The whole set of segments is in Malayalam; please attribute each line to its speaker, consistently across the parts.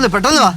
Speaker 1: പെട്ടെന്ന് വാ.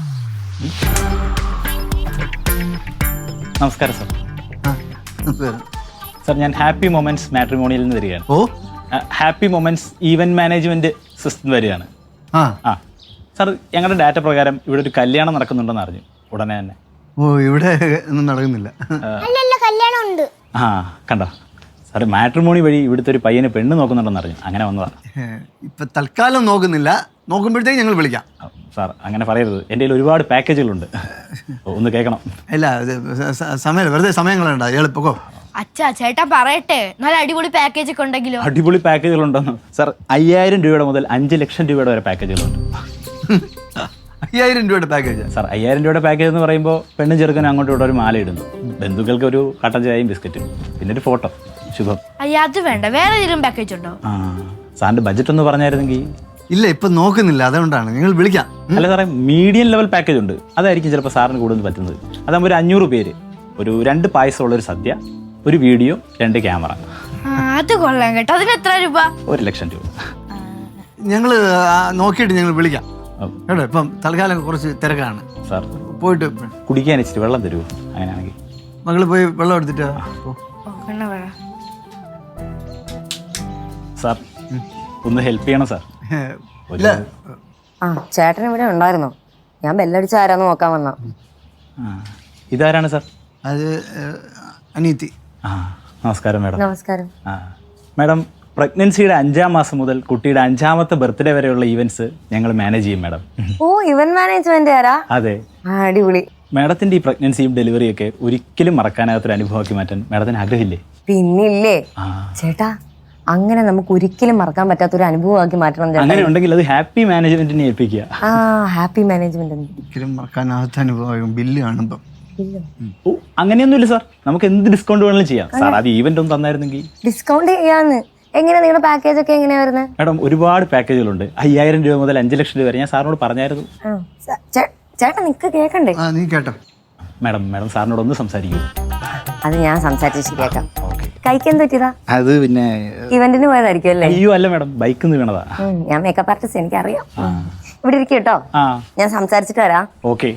Speaker 2: നമസ്കാരം സാർ. സാർ ഞാൻ ഹാപ്പി മൊമെന്റ്സ് മാട്രിമോണിയിൽ നിന്ന് വരികയാണ്.
Speaker 1: ഓ,
Speaker 2: happy moments event management system വരികയാണ്.
Speaker 1: ആ
Speaker 2: സാർ ഞങ്ങളുടെ ഡാറ്റ പ്രകാരം ഇവിടെ ഒരു കല്യാണം നടക്കുന്നുണ്ടെന്ന് അറിഞ്ഞു ഉടനെ തന്നെ.
Speaker 1: ഓ, ഇവിടെ ഒന്നും നടക്കുന്നില്ല.
Speaker 3: കല്യാണം ഉണ്ട്.
Speaker 2: ആ കണ്ടോ സാർ, മാട്രിമോണി വഴി ഇവിടുത്തെ ഒരു പയ്യന് പെണ്ണ് നോക്കുന്നുണ്ടെന്ന് അറിഞ്ഞു, അങ്ങനെ വന്നതാണ്.
Speaker 1: ഇപ്പൊ തൽക്കാലം നോക്കുന്നില്ല, നോക്കുമ്പോഴത്തേക്ക് ഞങ്ങൾ വിളിക്കാം.
Speaker 2: സാർ അങ്ങനെ പറയരുത്, എൻ്റെ കയ്യിൽ ഒരുപാട് പാക്കേജുകളുണ്ട്, ഒന്ന് കേൾക്കണം.
Speaker 1: ഇല്ല, സമയം വെറുതെ സമയം കളയണ്ട, എളുപ്പക്കോ.
Speaker 3: അച്ഛാ ചേട്ടാ പറയട്ടെ, നല്ല അടിപൊളി പാക്കേജ് ഒക്കെ ഉണ്ടെങ്കിലോ?
Speaker 2: അടിപൊളി പാക്കേജുകളുണ്ടെന്ന് സാർ. 5000 രൂപയുടെ മുതൽ 5 ലക്ഷം രൂപയുടെ വരെ പാക്കേജുകളുണ്ട്.
Speaker 1: 5000 രൂപയുടെ പാക്കേജ്
Speaker 2: സാർ. 5000 രൂപയുടെ പാക്കേജ് എന്ന് പറയുമ്പോൾ പെണ്ണും ചെറുക്കനും അങ്ങോട്ടും ഇവിടെ ഒരു മാല ഇടുന്നു, ബന്ധുക്കൾക്ക് ഒരു കട്ടൻ ചായയും ബിസ്ക്കറ്റും, പിന്നെ ഒരു ഫോട്ടോ. ശുഭം.
Speaker 3: അയ്യ അത് വേണ്ട, വേറെ ഏതെങ്കിലും പാക്കേജ് ഉണ്ടോ?
Speaker 2: ആ സാറിന്റെ ബഡ്ജറ്റ് ഒന്ന് പറഞ്ഞായിരുന്നെങ്കിൽ.
Speaker 1: ഇല്ല, ഇപ്പൊ നോക്കുന്നില്ല, അതുകൊണ്ടാണ് ഞങ്ങൾ വിളിക്കാം.
Speaker 2: അല്ല സാറേ, മീഡിയം ലെവൽ പാക്കേജ് ഉണ്ട്, അതായിരിക്കും ചിലപ്പോൾ സാറിന് കൂടുതൽ പറ്റുന്നത്. അതാകുമ്പോൾ ഒരു 500 പേര്, ഒരു 2 പായസമുള്ളൊരു സദ്യ, ഒരു വീഡിയോ, 2 ക്യാമറ.
Speaker 3: അത് കൊള്ളാം കേട്ടോ. അതിന് എത്ര രൂപ?
Speaker 2: 1 ലക്ഷം രൂപ.
Speaker 1: ഞങ്ങൾ നോക്കിയിട്ട് ഞങ്ങൾ വിളിക്കാം കേട്ടോ. ഇപ്പം തൽക്കാലം കുറച്ച് തിരക്കാണ്
Speaker 2: സാർ.
Speaker 1: പോയിട്ട്
Speaker 2: കുടിക്കാൻ ഇച്ചിരി വെള്ളം തരുമോ അങ്ങനെയാണെങ്കിൽ?
Speaker 1: മകള് പോയി വെള്ളം എടുത്തിട്ട്
Speaker 2: സാർ ഒന്ന് ഹെൽപ്പ് ചെയ്യണം സാർ.
Speaker 1: ഇല്ല,
Speaker 4: ആ ചേട്ടൻ ഇവിടെ ഉണ്ടായിരുന്നോ? ഞാൻ ബെല്ലടിച്ച ആരാന്ന് നോക്കാൻ വന്ന.
Speaker 2: ഇതാരാണ് സാർ?
Speaker 1: അത് അനീതി.
Speaker 2: ആ നമസ്കാരം മാഡം.
Speaker 4: നമസ്കാരം.
Speaker 2: ആ മാഡം, പ്രഗ്നൻസിയുടെ 5ാം മാസം മുതൽ കുട്ടിയുടെ 5ാമത്തെ ബർത്ത്ഡേ വരെയുള്ള ഈവൻറ്റ്സ് ഞങ്ങൾ മാനേജ് ചെയ്യും മാഡം.
Speaker 4: ഓ, ഇവന്റ് മാനേജ്മെന്റ് ആരാ?
Speaker 2: അതെ.
Speaker 4: അടിപൊളി.
Speaker 2: മാഡത്തിന്റെ ഈ പ്രഗ്നൻസിയും ഡെലിവറിയൊക്കെ ഒരിക്കലും മറക്കാനാകാത്തൊരു അനുഭവമാക്കി മാറ്റാൻ മാഡത്തിന് ആഗ്രഹമില്ലേ?
Speaker 4: പിന്നില്ലേ ചേട്ടാ, അങ്ങനെ നമുക്ക് ഒരിക്കലും മറക്കാൻ പറ്റാത്തൊരു അനുഭവമാക്കി മാറ്റണം.
Speaker 2: അങ്ങനെ ഉണ്ടെങ്കിൽ അത് ഹാപ്പി മാനേജ്മെന്റിനെ ഏൽപ്പിക്കുക.
Speaker 4: ആ ഹാപ്പി മാനേജ്മെന്റ്
Speaker 1: ഒരിക്കലും മറക്കാനാകാത്ത അനുഭവം. ബില്ല് കാണുമ്പോ
Speaker 2: ഓ അങ്ങനെയൊന്നുമില്ല സാർ, നമുക്ക് എന്ത് ഡിസ്കൗണ്ട് വേണമെങ്കിലും ചെയ്യാം സാർ. അത് ഈവന്റ് ഒന്ന് തന്നായിരുന്നെങ്കിൽ.
Speaker 4: ഡിസ്കൗണ്ട് ചെയ്യാന്ന്. എങ്ങനെ നിങ്ങളുടെ പാക്കേജ് ഒക്കെ എങ്ങനെയാ വരുന്നത്?
Speaker 2: മാഡം ഒരുപാട് പാക്കേജുകളുണ്ട്, 5000 രൂപ മുതൽ 5 ലക്ഷം രൂപ വരെ. ഞാൻ സാറിനോട് പറഞ്ഞായിരുന്നു.
Speaker 4: ചേട്ടാ നിക്ക് കേക്കണ്ടേ?
Speaker 1: നീ കേട്ടോ.
Speaker 2: മാഡം സാറിനോട് ഒന്ന് സംസാരിക്കൂ.
Speaker 4: അത് ഞാൻ സംസാരിച്ച് ശരിയാക്കാം. കഴിക്കാൻ പറ്റിയതാ?
Speaker 2: അത് പിന്നെ
Speaker 4: ഇവന്റിന് പോയതായിരിക്കും അല്ലേ?
Speaker 2: അയ്യോ അല്ല മാഡം, ബൈക്കിൽ നിന്ന് വീണതാ.
Speaker 4: ഞാൻ മേക്കപ്പ് ആർട്ടിസ്റ്റ്, എനിക്കറിയാം. ഇവിടെ ഇരിക്കും കേട്ടോ, ഞാൻ സംസാരിച്ചിട്ട് വരാം.
Speaker 2: ഓക്കെ.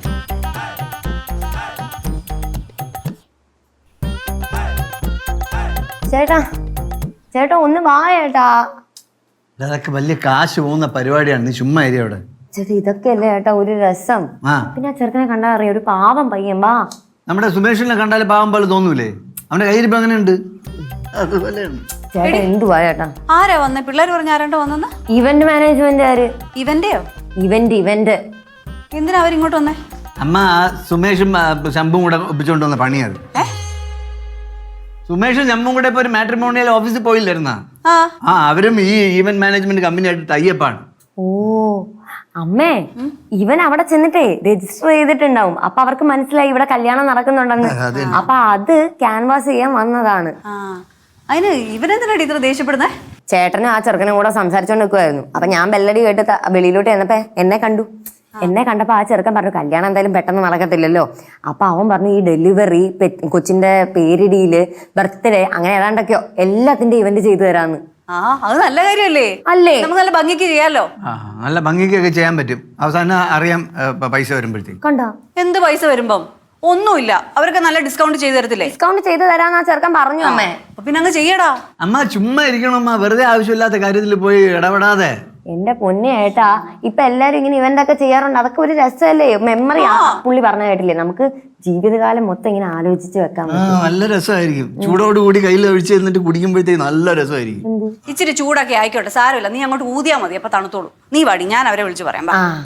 Speaker 4: ചേട്ടാ ചേട്ടാ ഒന്ന് വാ ചേട്ടാ.
Speaker 1: അതൊക്കെ വലിയ കാശ് പോകുന്ന പരിപാടിയാണ്, നീ ചുമ്മാ ഏരിയ അവിടെ.
Speaker 4: ചേട്ടാ ഇതൊക്കെ അല്ലേ ചേട്ടാ ഒരു രസം. പിന്നെ ആ ചെറുക്കനെ കണ്ടാ അറിയാം, ഒരു പാവം പയ്യൻ. വാ.
Speaker 1: നമ്മുടെ സുമേഷിനെ കണ്ടാൽ പാവം പോലെ തോന്നൂലേ? അവന്റെ കയ്യിരിപ്പ് അങ്ങനെ ഉണ്ട്. അതുപോലെയാണ്.
Speaker 4: ചേട്ടാ എന്തുവാ ചേട്ടാ?
Speaker 5: ആരാ വന്നേ? പിള്ളേർ പറഞ്ഞ ആരാണ്ടോ വന്നെന്ന്?
Speaker 4: ഇവന്റ് മാനേജ്മെന്റ് ആര്?
Speaker 5: ഇവന്റെയോ?
Speaker 4: ഇവന്റ്
Speaker 5: എന്തിനാ അവരിങ്ങോട്ട് വന്നേ?
Speaker 1: അമ്മ, സുമേഷും ശംഭുവും കൂടെ ഒപ്പിച്ചുകൊണ്ട് വന്ന പണിയത്. സുമേഷും ശംഭുവും കൂടെ ഇപ്പൊ ഒരു മാട്രിമോണിയൽ ഓഫീസിൽ പോയില്ലായിരുന്നാ? അവരും ഈ ഈവന്റ് മാനേജ്മെന്റ് കമ്പനിയായിട്ട് ടൈപ്പാണ്.
Speaker 4: ഓ അമ്മേ, ഇവൻ അവിടെ ചെന്നിട്ടേ രജിസ്റ്റർ ചെയ്തിട്ടുണ്ടാവും. അപ്പൊ അവർക്ക് മനസ്സിലായി ഇവിടെ കല്യാണം നടക്കുന്നുണ്ടെന്ന്. അപ്പൊ അത് ക്യാൻവാസ് ചെയ്യാൻ വന്നതാണ്.
Speaker 5: അതിന് ഇവരെന്തിനാണ് ഇത്ര ദേഷ്യപ്പെടുന്നേ?
Speaker 4: ചേട്ടനും ആ ചെറുക്കനും കൂടെ സംസാരിച്ചോണ്ട് നിൽക്കുമായിരുന്നു. അപ്പൊ ഞാൻ ബെല്ലടി കേട്ട് വെളിയിലോട്ട് ചെന്നപ്പോ എന്നെ കണ്ടപ്പോ ആ ചെറുക്കൻ പറഞ്ഞു കല്യാണം എന്തായാലും പെട്ടെന്ന് നടക്കത്തില്ലല്ലോ. അപ്പൊ അവൻ പറഞ്ഞു ഈ ഡെലിവറി, കൊച്ചിന്റെ പേരിടിയില്, ബർത്ത്ഡേ, അങ്ങനെ ഏതാണ്ടൊക്കെയോ എല്ലാത്തിന്റെ ഇവന്റ് ചെയ്തു തരാന്ന്.
Speaker 5: അത് നല്ല കാര്യമല്ലേ?
Speaker 4: അല്ലേ?
Speaker 5: നമുക്ക് നല്ല ഭംഗിക്ക് ചെയ്യാലോ.
Speaker 1: നല്ല ഭംഗിക്കൊക്കെ ചെയ്യാൻ പറ്റും. അവസാനം അറിയാം പൈസ വരുമ്പോഴത്തേക്ക്.
Speaker 4: കണ്ടോ
Speaker 5: എന്ത് പൈസ വരുമ്പം? ഒന്നുമില്ല, അവരൊക്കെ നല്ല ഡിസ്കൗണ്ട് ചെയ്ത് തരത്തില്ലേ?
Speaker 4: ഡിസ്കൗണ്ട് ചെയ്ത് തരാന്ന് ആ ചെറുക്കൻ പറഞ്ഞു അമ്മേ.
Speaker 5: പിന്നെ അങ്ങ് ചെയ്യടാ.
Speaker 1: അമ്മ ചുമ്മാ ഇരിക്കണം അമ്മ, വെറുതെ ആവശ്യമില്ലാത്ത കാര്യത്തിൽ പോയി ഇടപെടാതെ.
Speaker 4: എന്റെ പൊന്നെ ഏട്ടാ, ഇപ്പൊ എല്ലാരും ഇങ്ങനെ ഇവന്റ് ഒക്കെ ചെയ്യാറുണ്ട്. അതൊക്കെ ഒരു രസമല്ലേ? മെമ്മറി. പുള്ളി പറഞ്ഞ കേട്ടില്ലേ, നമുക്ക് ജീവിതകാലം മൊത്തം ഇങ്ങനെ ആലോചിച്ച് വെക്കാൻ പറ്റും.
Speaker 1: നല്ല രസമായിരിക്കും. ചൂടോടുകൂടി കയ്യിൽ ഒഴിച്ച് തന്നിട്ട് കുടിക്കുമ്പോഴത്തേക്ക് നല്ല രസമായിരിക്കും.
Speaker 5: ഇച്ചിരി ചൂടാക്കി ആയിക്കോട്ടെ, സാരമില്ല. നീ അങ്ങോട്ട് ഊതിയാ മതി, അപ്പൊ തണുത്തോളൂ. നീ വാടി, ഞാൻ അവരെ വിളിച്ച് പറയാം.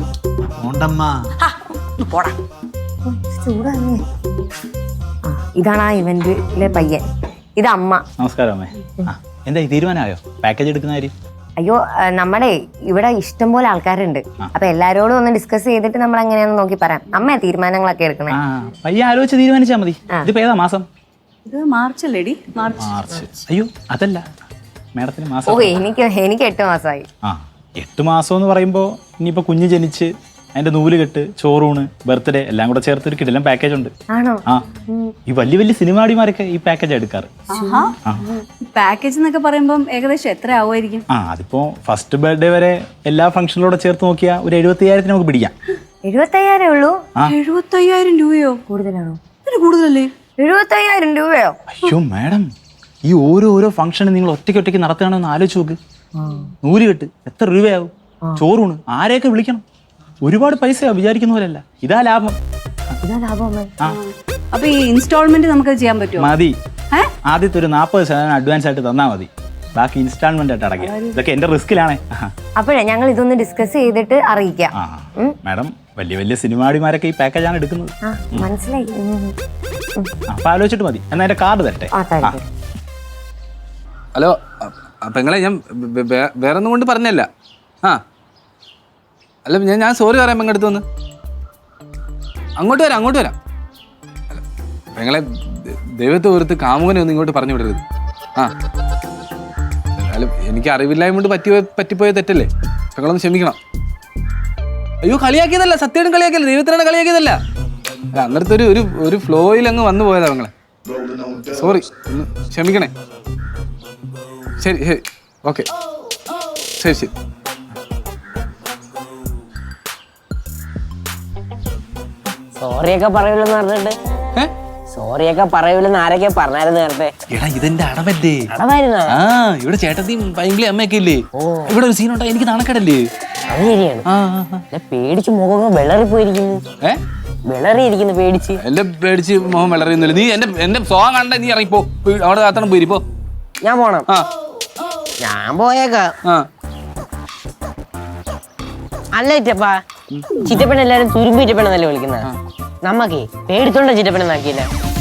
Speaker 5: പോടാ.
Speaker 4: ചൂടാണേ. ഇതാണ് ആ ഇവന്റിലെ പയ്യൻ, ഇത് അമ്മ.
Speaker 2: നമസ്കാരം അമ്മേ. എന്താ തീരുമാനമായോ പാക്കേജ് എടുക്കുന്ന കാര്യം?
Speaker 4: അയ്യോ, നമ്മുടെ ഇവിടെ ഇഷ്ടംപോലെ ആൾക്കാരുണ്ട്. അപ്പൊ എല്ലാരോടും ഒന്ന് ഡിസ്കസ് ചെയ്തിട്ട് നമ്മൾ എങ്ങനെയാണെന്ന് നോക്കി പറയാം. അമ്മ തീരുമാനങ്ങളൊക്കെ എടുക്കണേ.
Speaker 2: പയ്യ ആലോചിച്ച് തീരുമാനിച്ചാ മതി. ഇതിപ്പോ ഏതാ മാസം?
Speaker 5: ഇത് മാർച്ച് അല്ലേടി?
Speaker 2: മാർച്ച്. അയ്യോ അതല്ല മാഡത്തിന് മാസം.
Speaker 4: ഓ എനിക്ക് 8 മാസമായി.
Speaker 2: 8 മാസം എന്ന് പറയുമ്പോ ഇനിയിപ്പോ കുഞ്ഞ് ജനിച്ച് അതിന്റെ നൂല് കെട്ട്, ചോറൂണ്, ബർത്ത്ഡേ എല്ലാം കൂടെ ചേർത്ത് ഒരു കിടിലൻ പാക്കേജ് ഉണ്ട്.
Speaker 4: ആണോ?
Speaker 2: ഈ വലിയ വലിയ സിനിമാടിമാരൊക്കെ ഈ പാക്കേജ് എടുക്കാറ്.
Speaker 5: പാക്കേജ് എന്നൊക്കെ പറയുമ്പോൾ ഏകദേശം എത്ര ആവുമായിരിക്കും?
Speaker 2: അതിപ്പോ ഫസ്റ്റ് ബർത്ത്ഡേ വരെ എല്ലാ ഫംഗ്ഷനിലൂടെ ചേർത്ത് നോക്കിയാൽ ഒരു 75,000 നമുക്ക് പിടിക്കാം.
Speaker 4: 75,000 ഉള്ളൂ?
Speaker 5: 75,000 രൂപയോ?
Speaker 4: കൂടുതലാണോ?
Speaker 5: ഇതിന് കൂടുതലല്ലേ?
Speaker 4: 75,000 രൂപയോ?
Speaker 2: അയ്യോ മാഡം, ഈ ഓരോ ഫംഗ്ഷനും നിങ്ങൾ ഒറ്റയ്ക്ക് നടത്തുകയാണെന്ന് ആലോചിച്ച് നോക്ക്. 100 കെട്ട് എത്ര രൂപയാവും? ചോറൂണ് ആരെയൊക്കെ വിളിക്കണം? ഒരുപാട് പൈസയാ, വിചാരിക്കുന്ന പോലെയല്ല. ഇതാ ലാഭം.
Speaker 4: ഇതാ ലാഭം.
Speaker 2: ആ
Speaker 5: അപ്പൊ ഈ ഇൻസ്റ്റാൾമെന്റ് നമുക്ക് ചെയ്യാൻ പറ്റുമോ?
Speaker 2: മതി. ആദ്യത്തെ ഒരു 40% അഡ്വാൻസ് ആയിട്ട് തന്നാൽ മതി, ബാക്കി ഇൻസ്റ്റാൾമെന്റ് ആയിട്ട് അടയ്ക്കാം. ഇതൊക്കെ എന്റെ റിസ്കിലാണേ.
Speaker 4: അപ്പോഴേ ഞങ്ങൾ ഇതൊന്ന് ഡിസ്കസ് ചെയ്തിട്ട് അറിയിക്കാം.
Speaker 2: മാഡം, വലിയ സിനിമാടിമാരൊക്കെ ഈ പാക്കേജാണ് എടുക്കുന്നത്.
Speaker 4: മനസ്സിലായി.
Speaker 2: അപ്പൊ ആലോചിച്ചിട്ട് മതി. എന്നാ എന്റെ കാർഡ് തരട്ടെ.
Speaker 1: ഹലോ പെങ്ങളെ, ഞാൻ വേറെ ഒന്നും കൊണ്ട് പറഞ്ഞല്ല. അല്ല ഞാൻ സോറി പറയാം പെങ്ങടുത്ത് വന്ന്. അങ്ങോട്ട് വരാം. പെങ്ങളെ, ദൈവത്തെ ഓർത്ത് കാമുകനെ ഒന്നും ഇങ്ങോട്ട് പറഞ്ഞു വിടരുത്. അല്ല എനിക്ക് അറിവില്ലായ്മ കൊണ്ട് പറ്റിപ്പോയ തെറ്റല്ലേ, പെങ്ങളൊന്ന് ക്ഷമിക്കണം. അയ്യോ കളിയാക്കിയതല്ല, സത്യമായിട്ടും കളിയാക്കിയല്ല, ദൈവത്തിനാണ് കളിയാക്കിയതല്ല. അല്ല അന്നേരത്തെ ഒരു ഫ്ലോയിൽ അങ്ങ് വന്നു പോയതാ പെങ്ങളെ. സോറി, ഒന്ന് ക്ഷമിക്കണേ. ശരി ഓക്കെ, ശരി.
Speaker 4: സോറിയൊക്കെ പറയൂലെന്ന് പറഞ്ഞിട്ട് സോറിയൊക്കെ പറയൂലെന്ന് ആരൊക്കെ പറഞ്ഞായിരുന്നു നേരത്തെ?
Speaker 1: എടാ ഇതെന്റെ അടവല്ലേ.
Speaker 4: അടവായിരുന്നോ?
Speaker 1: ഇവിടെ ചേട്ടത്തിയും ഭയങ്കര അമ്മയൊക്കെ ഇല്ലേ, ഇവിടെ ഒരു സീൻ ഉണ്ടായി, എനിക്ക് നാണക്കേടല്ലേ.
Speaker 4: അത് ശരിയാണ്. പേടിച്ച് മുഖം വിളറി പോയിരിക്കുന്നു. വിളറിയിരിക്കുന്നു പേടിച്ച്.
Speaker 1: എന്റെ പേടിച്ച് മുഖം വിളറിയുന്നില്ല. നീ എന്റെ സോങ് കണ്ട നീ ഇറങ്ങിപ്പോ, അവിടെ കാത്തണം പോയിരിപ്പോ.
Speaker 4: ഞാൻ പോണം. ഞാൻ പോയേക്കാം. അല്ല ചിറ്റപ്പാ, ചിറ്റപ്പൻ എല്ലാരും തുരുമ്പ് ചിറ്റപ്പനെന്നല്ലേ വിളിക്കുന്നത്? നമ്മക്കേ പേടിത്തോണ്ട ചിറ്റപ്പനെന്നാക്കിയില്ല.